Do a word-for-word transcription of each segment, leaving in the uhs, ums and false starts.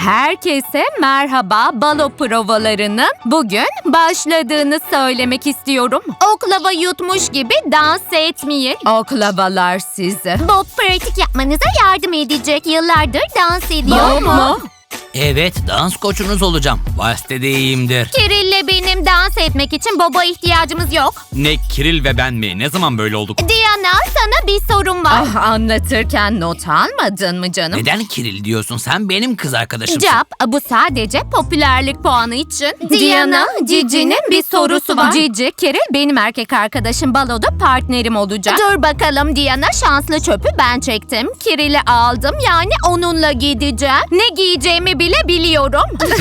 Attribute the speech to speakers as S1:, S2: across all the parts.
S1: Herkese merhaba. Balo provalarının bugün başladığını söylemek istiyorum. Oklava yutmuş gibi dans etmeyin. Oklavalar sizi.
S2: Bob pratik yapmanıza yardım edecek. Yıllardır dans ediyor
S1: Bob
S2: mu?
S1: mu?
S3: Evet, dans koçunuz olacağım. Valste de iyiyimdir.
S2: Kirill'le benim dans etmek için Bob'a ihtiyacımız yok.
S4: Ne Kiril ve ben mi? Ne zaman böyle olduk?
S2: Diana, sana bir sorum var.
S1: Ah, anlatırken not almadın mı canım?
S3: Neden Kiril diyorsun? Sen benim kız arkadaşımsın.
S1: Cap, bu sadece popülerlik puanı için.
S2: Diana, Cici'nin bir sorusu var.
S1: Cici, Kiril benim erkek arkadaşım, baloda partnerim olacak.
S2: Dur bakalım Diana, şanslı çöpü ben çektim.
S1: Kirill'i aldım, yani onunla gideceğim.
S2: Ne giyeceğimi bile biliyorum.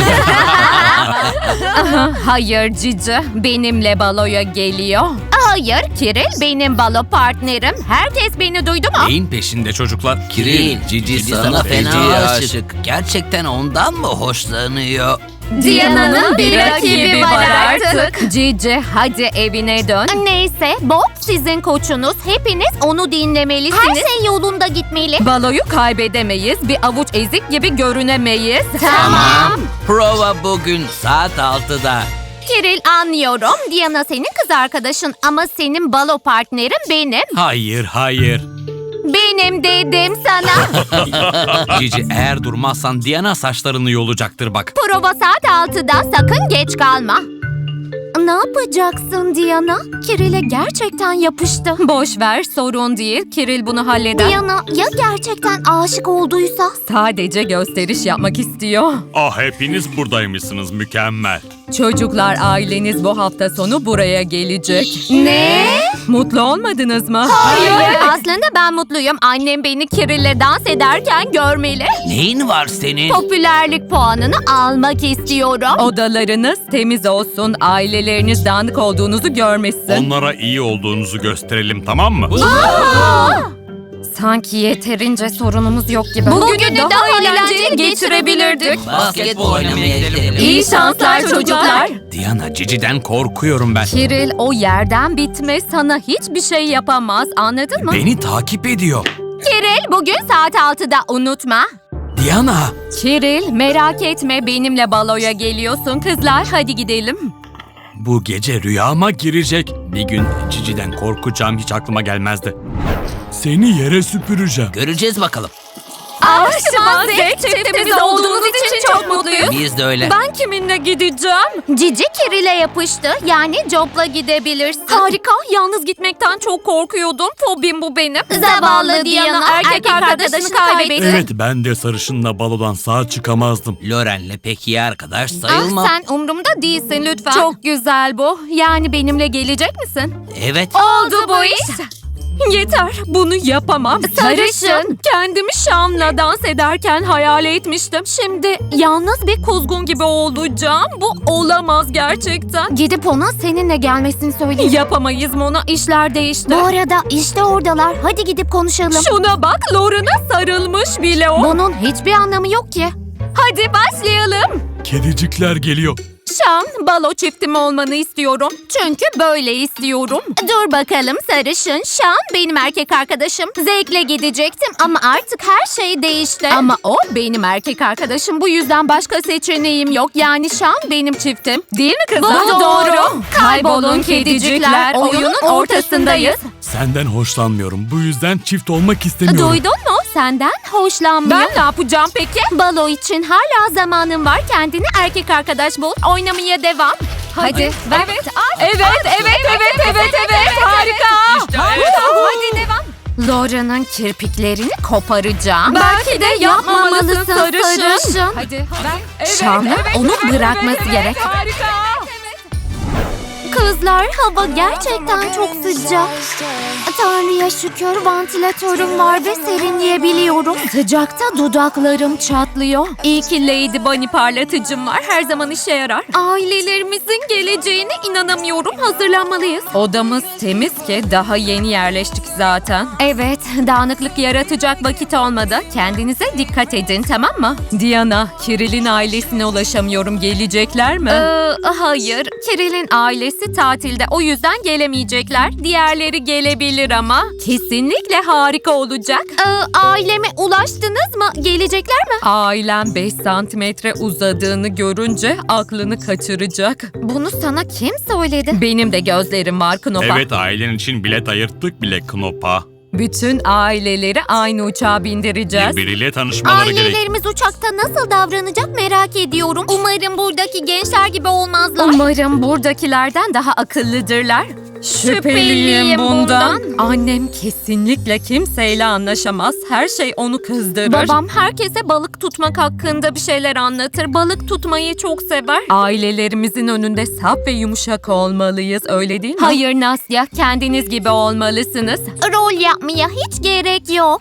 S1: Hayır Cici, benimle baloya geliyor.
S2: Hayır, Kiril benim balo partnerim. Herkes beni duydu mu?
S4: Neyin peşinde çocuklar?
S3: Kiril, Cici sana fena
S4: feci
S3: aşık. Gerçekten ondan mı hoşlanıyor?
S2: Diana'nın bir rakibi var artık.
S1: Cici, hadi evine dön.
S2: Neyse, Bob sizin koçunuz. Hepiniz onu dinlemelisiniz. Her şey yolunda gitmeli.
S1: Baloyu kaybedemeyiz, bir avuç ezik gibi görünemeyiz.
S2: Tamam.
S3: Prova bugün saat altıda.
S2: Kiril, anlıyorum. Diana senin kız arkadaşın ama senin balo partnerin benim.
S4: Hayır, hayır.
S2: Benim dedim sana.
S4: Cici, eğer durmazsan Diana saçlarını yolacaktır bak.
S2: Prova saat altıda, sakın geç kalma. Ne yapacaksın Diana? Kiril'e gerçekten yapıştı.
S1: Boş ver, sorun değil. Kiril bunu halleder.
S2: Diana ya gerçekten aşık olduysa?
S1: Sadece gösteriş yapmak istiyor.
S4: Ah, hepiniz buradaymışsınız, mükemmel.
S1: Çocuklar, aileniz bu hafta sonu buraya gelecek.
S2: Ne?
S1: Mutlu olmadınız mı?
S2: Hayır. Aslında ben mutluyum. Annem beni Kirill'le dans ederken görmeli.
S3: Neyin var senin?
S2: Popülerlik puanını almak istiyorum.
S1: Odalarınız temiz olsun, aileleriniz dağınık olduğunuzu görmesin.
S4: Onlara iyi olduğunuzu gösterelim, tamam mı?
S1: Sanki yeterince sorunumuz yok gibi.
S2: Bugünü daha eğlenceli geçirebilirdik.
S3: Basketbol oynamaya gidelim.
S1: İyi şanslar çocuklar.
S4: Diana, Cici'den korkuyorum ben.
S1: Kiril o yerden bitme, sana hiçbir şey yapamaz, anladın mı?
S4: Beni takip ediyor.
S2: Kiril, bugün saat altıda unutma.
S4: Diana!
S1: Kiril, merak etme, benimle baloya geliyorsun. Kızlar, hadi gidelim.
S4: Bu gece rüyama girecek. Bir gün Cici'den korkacağım hiç aklıma gelmezdi. Seni yere süpüreceğim.
S3: Göreceğiz bakalım.
S1: Aşkıma zevk çiftimiz olduğunuz için çok mutluyuz.
S3: Biz de öyle.
S1: Ben kiminle gideceğim?
S2: Cici Kiril'e yapıştı. Yani Job'la gidebilirsin.
S1: Harika, yalnız gitmekten çok korkuyordum. Fobim bu benim.
S2: Zavallı Diana, erkek arkadaşını kaybetti.
S4: Evet, ben de sarışınla balodan sağ çıkamazdım.
S3: Loren'le pek iyi arkadaş
S2: Ah,
S3: sayılmam.
S2: sen umrumda değilsin lütfen.
S1: Çok güzel bu. Yani benimle gelecek misin?
S3: Evet.
S2: oldu bu iş.
S1: Yeter, bunu yapamam.
S2: Sarışın.
S1: Kendimi Şam'la dans ederken hayal etmiştim. Şimdi yalnız bir kuzgun gibi olacağım. Bu olamaz gerçekten.
S2: Gidip ona seninle gelmesini söyleyeyim.
S1: Yapamayız Mona, işler değişti.
S2: Bu arada işte oradalar. Hadi gidip konuşalım.
S1: Şuna bak, Lauren'a sarılmış bile o.
S2: Bunun hiçbir anlamı yok ki.
S1: Hadi başlayalım.
S4: Kedicikler geliyor.
S1: Şam, balo çiftim olmanı istiyorum. Çünkü böyle istiyorum.
S2: Dur bakalım sarışın. Şan benim erkek arkadaşım. Zevkle gidecektim ama artık her şey değişti.
S1: Ama o benim erkek arkadaşım. Bu yüzden başka seçeneğim yok. Yani Şam benim çiftim. Değil mi kızlar?
S2: Bu doğru.
S1: Kaybolun kedicikler. Oyunun ortasındayız.
S4: Senden hoşlanmıyorum. Bu yüzden çift olmak istemiyorum.
S2: Duydun mu? Senden hoşlanmıyor.
S1: Ben ne yapacağım peki?
S2: Balo için hala zamanın var. Kendine erkek arkadaş bul. Oynamaya devam.
S1: Hadi. Evet, evet, evet, evet, evet, evet, evet. Harika.
S3: İşte
S1: Harika.
S3: evet.
S1: Hadi devam. Laura'nın kirpiklerini koparacağım.
S2: Belki de yapmamalısın sarışın.
S1: Hadi. Ben. Evet,
S2: Şam'ın
S1: evet,
S2: onu
S1: evet,
S2: bırakması
S1: evet,
S2: gerek.
S1: Harika.
S2: Kızlar, hava gerçekten çok sıcak. Tanrı'ya şükür vantilatörüm var ve serinleyebiliyorum.
S1: Sıcakta dudaklarım çatlıyor. İyi ki Lady Bunny parlatıcım var. Her zaman işe yarar. Ailelerimizin geleceğine inanamıyorum. Hazırlanmalıyız. Odamız temiz ki daha yeni yerleştik zaten. Evet, dağınıklık yaratacak vakit olmadı. Kendinize dikkat edin, tamam mı? Diana, Kirill'in ailesine ulaşamıyorum. Gelecekler mi? Ee, hayır. Kirill'in ailesi hepsi tatilde. O yüzden gelemeyecekler. Diğerleri gelebilir ama kesinlikle harika olacak.
S2: Ee, aileme ulaştınız mı? Gelecekler mi?
S1: Ailem beş santimetre uzadığını görünce aklını kaçıracak.
S2: Bunu sana kim söyledi?
S1: Benim de gözlerim var Knopa.
S4: Evet, ailen için bilet ayırttık bile Knopa.
S1: Bütün aileleri aynı uçağa bindireceğiz.
S4: Birbiriyle tanışmaları gerek.
S2: Ailelerimiz uçakta nasıl davranacak merak ediyorum. Umarım buradaki gençler gibi olmazlar.
S1: Umarım buradakilerden daha akıllıdırlar.
S2: Şüpheliyim bundan.
S1: Annem kesinlikle kimseyle anlaşamaz. Her şey onu kızdırır.
S2: Babam herkese balık tutmak hakkında bir şeyler anlatır. Balık tutmayı çok sever.
S1: Ailelerimizin önünde saf ve yumuşak olmalıyız, öyle değil mi?
S2: Hayır Nastya,
S1: Kendiniz gibi olmalısınız.
S2: rol yapmaya hiç gerek yok.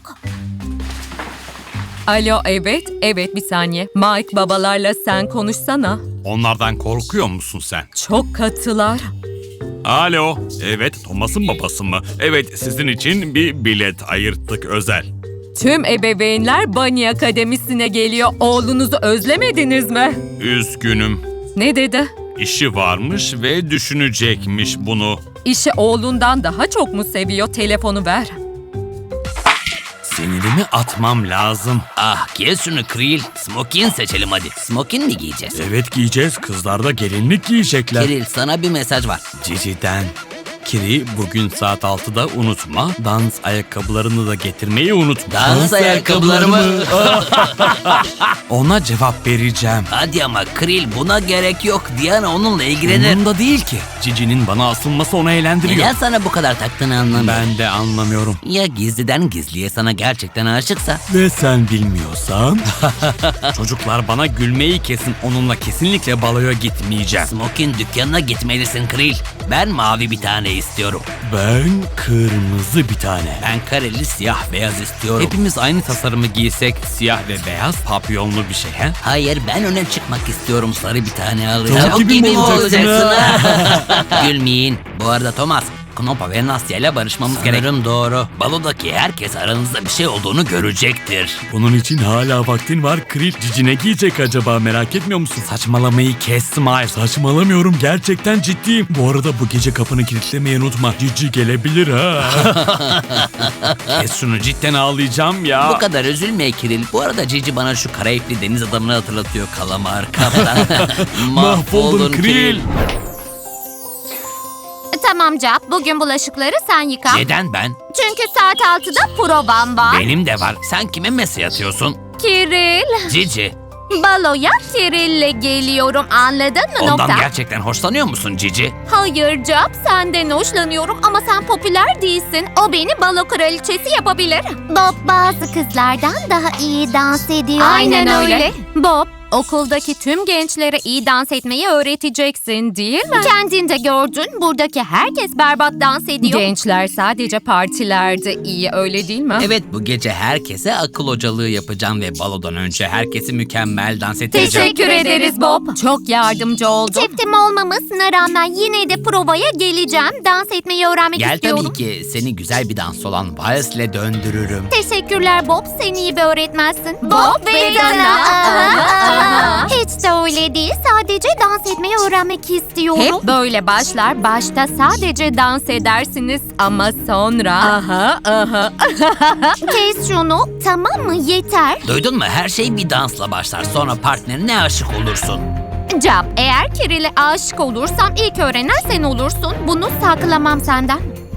S1: Alo, evet, evet bir saniye. Mike, babalarla sen konuşsana.
S4: Onlardan korkuyor musun sen?
S1: Çok katılar.
S4: Alo, evet Thomas'ın babası mı? Evet, sizin için bir bilet ayırttık özel.
S1: Tüm ebeveynler Bunny Akademisi'ne geliyor. Oğlunuzu özlemediniz mi?
S4: Üzgünüm.
S1: Ne dedi?
S4: İşi varmış ve düşünecekmiş bunu.
S1: İşi oğlundan daha çok mu seviyor? Telefonu ver.
S4: Sinirimi atmam lazım.
S3: Ah kes şunu Kril. Smokin seçelim hadi. Smokin mi giyeceğiz?
S4: Evet giyeceğiz, kızlar da gelinlik giyecekler.
S3: Kiril sana bir mesaj var.
S4: Cici'den. Kiri, bugün saat altıda unutma. Dans ayakkabılarını da getirmeyi unutma.
S3: Dans ayakkabıları mı?
S4: Ona cevap vereceğim.
S3: Hadi ama Kril buna gerek yok. Diana onunla ilgilenir.
S4: Umurumda değil ki. Cici'nin bana asılması onu eğlendiriyor.
S3: Neden sana bu kadar taktığını anlamıyorum.
S4: Ben de anlamıyorum.
S3: Ya gizliden gizliye sana gerçekten aşıksa?
S4: Ve sen bilmiyorsan? Çocuklar bana gülmeyi kesin. Onunla kesinlikle baloya gitmeyeceğim.
S3: Smokin dükkanına gitmelisin Kril. Ben mavi bir tane istiyorum.
S4: Ben kırmızı bir tane.
S3: Ben kareli siyah beyaz istiyorum.
S4: Hepimiz aynı tasarımı giysek siyah ve beyaz papyonlu bir şey he?
S3: Hayır ben öne çıkmak istiyorum, sarı bir tane alacağım.
S4: Tavuk gibi mi olacaksın
S3: Gülmeyin. Bu arada Thomas, Knopa ve Nastya ile barışmamız gerek. Sanırım doğru. Balodaki herkes aranızda bir şey olduğunu görecektir.
S4: Bunun için hala vaktin var. Kril, Cici ne giyecek acaba, merak etmiyor musun? Saçmalamayı kes Smile. Saçmalamıyorum, gerçekten ciddiyim. Bu arada bu gece kapını kilitlemeyi unutma. Cici gelebilir ha. Kes şunu, cidden ağlayacağım ya.
S3: Bu kadar üzülme Kiril. Bu arada Cici bana şu karayipli deniz adamını hatırlatıyor. Kalamar, kaptan.
S4: Mahvoldun Kril.
S2: Tamam Cap, bugün bulaşıkları sen yıka.
S3: Neden ben?
S2: Çünkü saat altıda provam var.
S3: Benim de var. Sen kime mesaj atıyorsun?
S2: Kiril,
S3: Cici.
S2: baloya Kiril'le geliyorum, anladın mı
S3: Ondan
S2: nokta?
S3: gerçekten hoşlanıyor musun Cici?
S2: Hayır Cap, senden hoşlanıyorum ama sen popüler değilsin. O beni balo kraliçesi yapabilir. Bob bazı kızlardan daha iyi dans ediyor.
S1: Aynen öyle. Bob, okuldaki tüm gençlere iyi dans etmeyi öğreteceksin değil mi?
S2: Kendin de gördün, buradaki herkes berbat dans ediyor.
S1: Gençler sadece partilerde iyi, öyle değil mi?
S3: Evet, bu gece herkese akıl hocalığı yapacağım ve balodan önce herkesi mükemmel dans ettireceğim.
S2: Teşekkür ederiz Bob.
S1: Çok yardımcı oldun.
S2: Çiftim olmamasına rağmen yine de provaya geleceğim. Dans etmeyi öğrenmek
S3: Gel
S2: istiyorum.
S3: tabii ki, seni güzel bir dans olan valsle döndürürüm.
S2: Teşekkürler Bob, sen iyi bir öğretmensin. Bob ve Dana. Hiç de öyle değil, sadece dans etmeyi öğrenmek istiyorum.
S1: Hep böyle başlar. Başta sadece dans edersiniz ama sonra... Aha, aha.
S2: Kes şunu, tamam mı? Yeter.
S3: Duydun mu? Her şey bir dansla başlar. Sonra partnerine aşık olursun.
S2: Cap, eğer Kiril'e aşık olursam ilk öğrenen sen olursun. Bunu saklamam senden.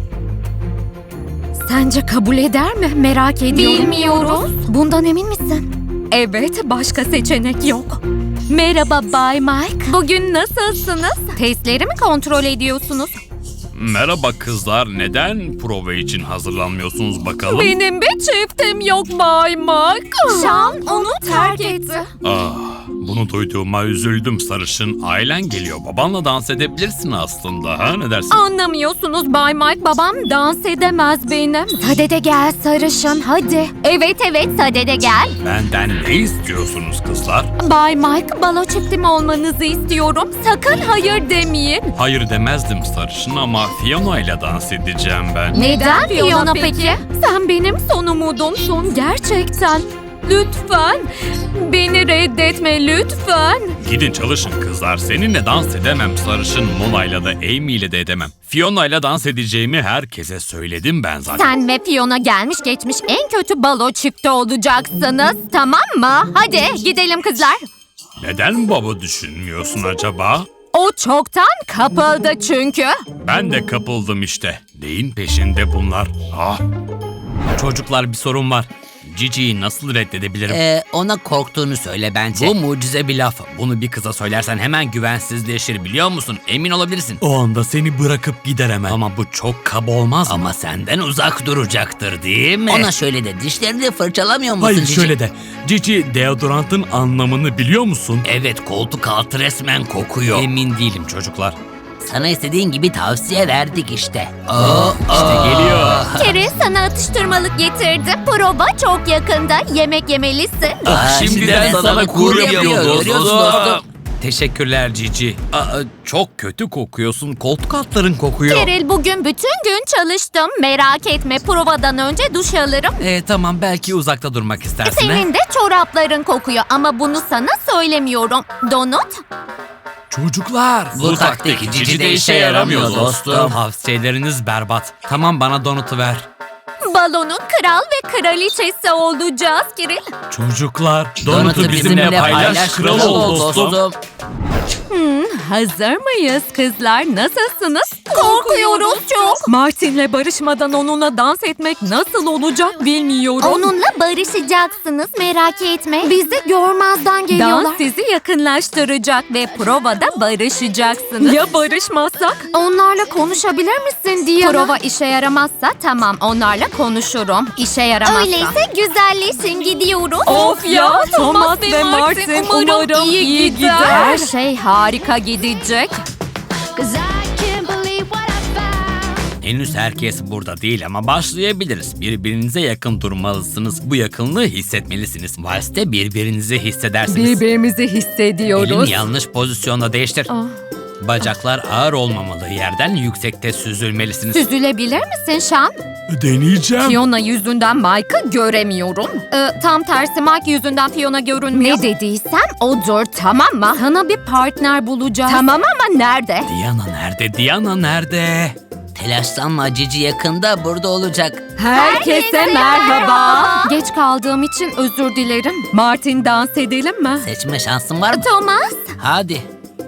S1: Sence kabul eder mi? Merak ediyorum.
S2: Bilmiyoruz.
S1: Bundan emin misin? Evet, başka seçenek yok. Merhaba Bay Mike. Bugün nasılsınız? Testleri mi kontrol ediyorsunuz?
S4: Merhaba kızlar, neden prova için hazırlanmıyorsunuz bakalım?
S1: Benim bir çiftim yok Bay Mike.
S2: Sean onu terk etti.
S4: Ah, bunu duyduğuma üzüldüm sarışın. Ailen geliyor, babanla dans edebilirsin aslında ha, ne dersin?
S1: Anlamıyorsunuz Bay Mike. Babam dans edemez benim. Sadede gel sarışın hadi.
S2: Evet evet, sadede gel.
S4: Benden ne istiyorsunuz kızlar?
S1: Bay Mike, balo çiftim olmanızı istiyorum. Sakın hayır demeyin.
S4: Hayır demezdim sarışın ama Fiona ile dans edeceğim ben.
S2: Neden Fiona peki?
S1: Sen benim son umudumsun gerçekten. Lütfen. Beni reddetme lütfen.
S4: Gidin çalışın kızlar. Seninle dans edemem. Sarışın Mona'yla da Amy'yle de edemem. Fiona'yla dans edeceğimi herkese söyledim ben zaten.
S2: Sen ve Fiona gelmiş geçmiş en kötü balo çifti olacaksınız. Tamam mı? Hadi gidelim kızlar.
S4: Neden baba düşünmüyorsun acaba?
S1: O çoktan kapıldı çünkü.
S4: Ben de kapıldım işte. Neyin peşinde bunlar? Ah. Çocuklar bir sorun var. Cici'yi nasıl reddedebilirim?
S3: Ee, ona korktuğunu söyle bence. Bu mucize bir laf. Bunu bir kıza söylersen hemen güvensizleşir biliyor musun? Emin olabilirsin.
S4: O anda seni bırakıp gider hemen. Ama bu çok kaba olmaz mı?
S3: Ama senden uzak duracaktır değil mi? Ona şöyle de dişlerini fırçalamıyor musun
S4: Hayır
S3: Cici?
S4: şöyle de. Cici deodorantın anlamını biliyor musun?
S3: Evet, koltuk altı resmen kokuyor.
S4: Emin değilim çocuklar.
S3: Sana istediğin gibi tavsiye verdik işte. Aa,
S4: İşte geliyor.
S2: Kere sana atıştırmalık getirdim. Prova çok yakında. Yemek yemelisin.
S3: Aa,
S4: Şimdiden sana kur yapıyoruz
S3: Görüyorsun
S4: dostum.
S3: dostum.
S4: Teşekkürler Cici. Aa, çok kötü kokuyorsun. Koltuk altların kokuyor.
S2: Keril bugün bütün gün çalıştım. Merak etme provadan önce duş alırım.
S4: Ee, tamam belki uzakta durmak istersin.
S2: Senin de çorapların kokuyor ama bunu sana söylemiyorum. Donut?
S4: Çocuklar.
S3: Bu taktik Cici de işe yaramıyor dostum.
S4: Tavsiyeleriniz berbat. Tamam bana donutu ver.
S2: Balonun kral ve kraliçesi olacağız Kiril.
S4: Çocuklar.
S3: Donutu bizimle paylaş, kral ol dostum.
S1: Hazır mıyız kızlar? Nasılsınız?
S2: Korkuyoruz çok.
S1: Martin'le barışmadan onunla dans etmek nasıl olacak bilmiyorum.
S2: Onunla barışacaksınız merak etme. Bizi görmezden geliyorlar.
S1: Dans sizi yakınlaştıracak ve provada barışacaksınız. Ya barışmazsak?
S2: Onlarla konuşabilir misin diye.
S1: Prova işe yaramazsa tamam onlarla konuşurum. İşe yaramazsa.
S2: Öyleyse güzelleşin gidiyoruz.
S1: Of ya Thomas ve Martin umarım iyi gider. Her şey harika gidecek.
S4: Henüz herkes burada değil ama başlayabiliriz. Birbirinize yakın durmalısınız. Bu yakınlığı hissetmelisiniz. Valste birbirinizi hissedersiniz.
S1: Birbirimizi hissediyoruz.
S4: Elini yanlış pozisyonda değiştir.
S1: Ah.
S4: Bacaklar ağır olmamalı. Yerden yüksekte süzülmelisiniz.
S1: Süzülebilir misin Şan?
S4: Deneyeceğim.
S1: Fiona yüzünden Mike'ı göremiyorum. Ee, tam tersi Mike yüzünden Fiona görünmüyor. Ne dediysem odur tamam mı? Sana bir partner bulacağız. Tamam ama nerede?
S4: Diana nerede? Diana nerede?
S3: Telaşlanma, Cici yakında burada olacak.
S1: Herkese merhaba. Geç kaldığım için özür dilerim. Martin dans edelim mi?
S3: Seçme şansın var mı?
S2: Thomas.
S3: Hadi.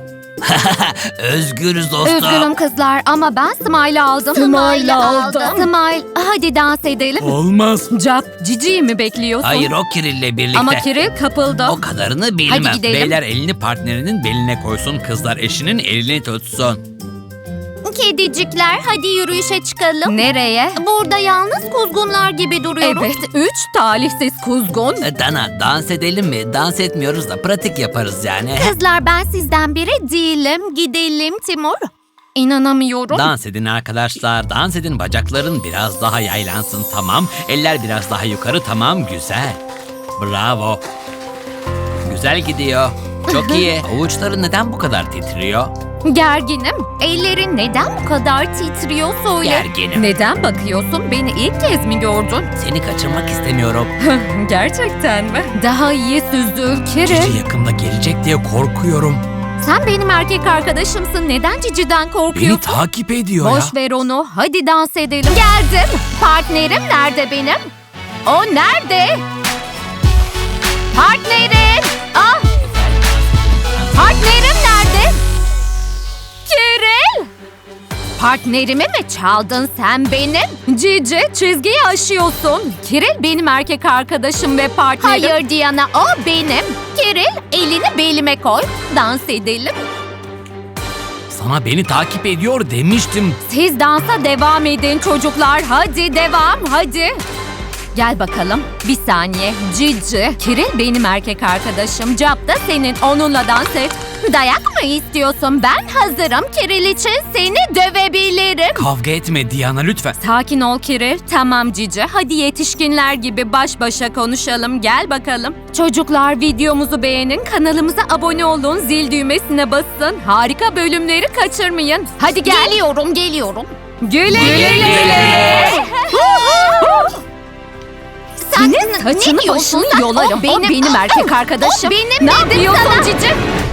S3: Özgürüz dostum.
S1: Üzgünüm kızlar ama ben Smile'ı aldım.
S2: Smile aldım.
S1: Smile hadi dans edelim.
S4: Olmaz.
S1: Cap, Cici'yi mi bekliyorsun?
S3: Hayır, o Kirill'le birlikte.
S1: Ama Kiril kapıldı.
S3: O kadarını bilmem.
S1: Hadi gidelim.
S4: Beyler elini partnerinin beline koysun. Kızlar eşinin elini tutsun.
S2: Kedicikler hadi yürüyüşe çıkalım.
S1: Nereye?
S2: Burada yalnız kuzgunlar gibi duruyoruz.
S1: Evet, üç talihsiz kuzgun.
S3: Dana, dans edelim mi? Dans etmiyoruz da pratik yaparız yani.
S2: Kızlar ben sizden biri değilim. Gidelim Timur.
S1: İnanamıyorum.
S4: Dans edin arkadaşlar. Dans edin. Bacakların biraz daha yaylansın. Tamam. Eller biraz daha yukarı. Tamam. Güzel. Bravo. Güzel gidiyor. Çok iyi. Avuçları neden bu kadar titriyor?
S1: Gerginim.
S2: Ellerin neden bu kadar titriyor söyle.
S3: Gerginim.
S1: Neden bakıyorsun? Beni ilk kez mi gördün?
S3: Seni kaçırmak istemiyorum.
S1: Gerçekten mi? Daha iyi süzdür
S4: Cici
S1: Kiril.
S4: yakında gelecek diye korkuyorum.
S1: Sen benim erkek arkadaşımsın. Neden Cici'den
S4: Beni
S1: korkuyorsun?
S4: takip ediyor ya.
S1: Boş ver onu. Hadi dans edelim.
S2: Geldim. Partnerim nerede benim?
S1: O nerede?
S2: Partnerim. Ah.
S1: Partnerim nerede? Kiril! Partnerimi mi çaldın sen benim? Cici çizgiyi aşıyorsun. Kiril benim erkek arkadaşım ve partnerim.
S2: Hayır Diana o benim. Kiril elini belime koy.
S1: Dans edelim.
S4: Sana beni takip ediyor demiştim.
S1: Siz dansa devam edin çocuklar. Hadi devam hadi. Gel bakalım. Bir saniye. Cici. Kiril benim erkek arkadaşım. Cap da senin. Onunla dans et.
S2: Dayak mı istiyorsun? Ben hazırım. Kiril için seni dövebilirim.
S4: Kavga etme Diana lütfen.
S1: Sakin ol Kiril. Tamam Cici. Hadi yetişkinler gibi baş başa konuşalım. Gel bakalım. Çocuklar videomuzu beğenin. Kanalımıza abone olun. Zil düğmesine basın. Harika bölümleri kaçırmayın. Hadi gel.
S2: Geliyorum geliyorum.
S1: Güle güle.
S2: Sakın.
S1: Senin Saçını
S2: Ne diyorsun
S1: başını
S2: sen?
S1: yolarım.
S2: O benim-
S1: O benim erkek arkadaşım.
S2: O benim
S1: ne
S2: dedim
S1: yapıyorsun
S2: sana.
S1: Cici?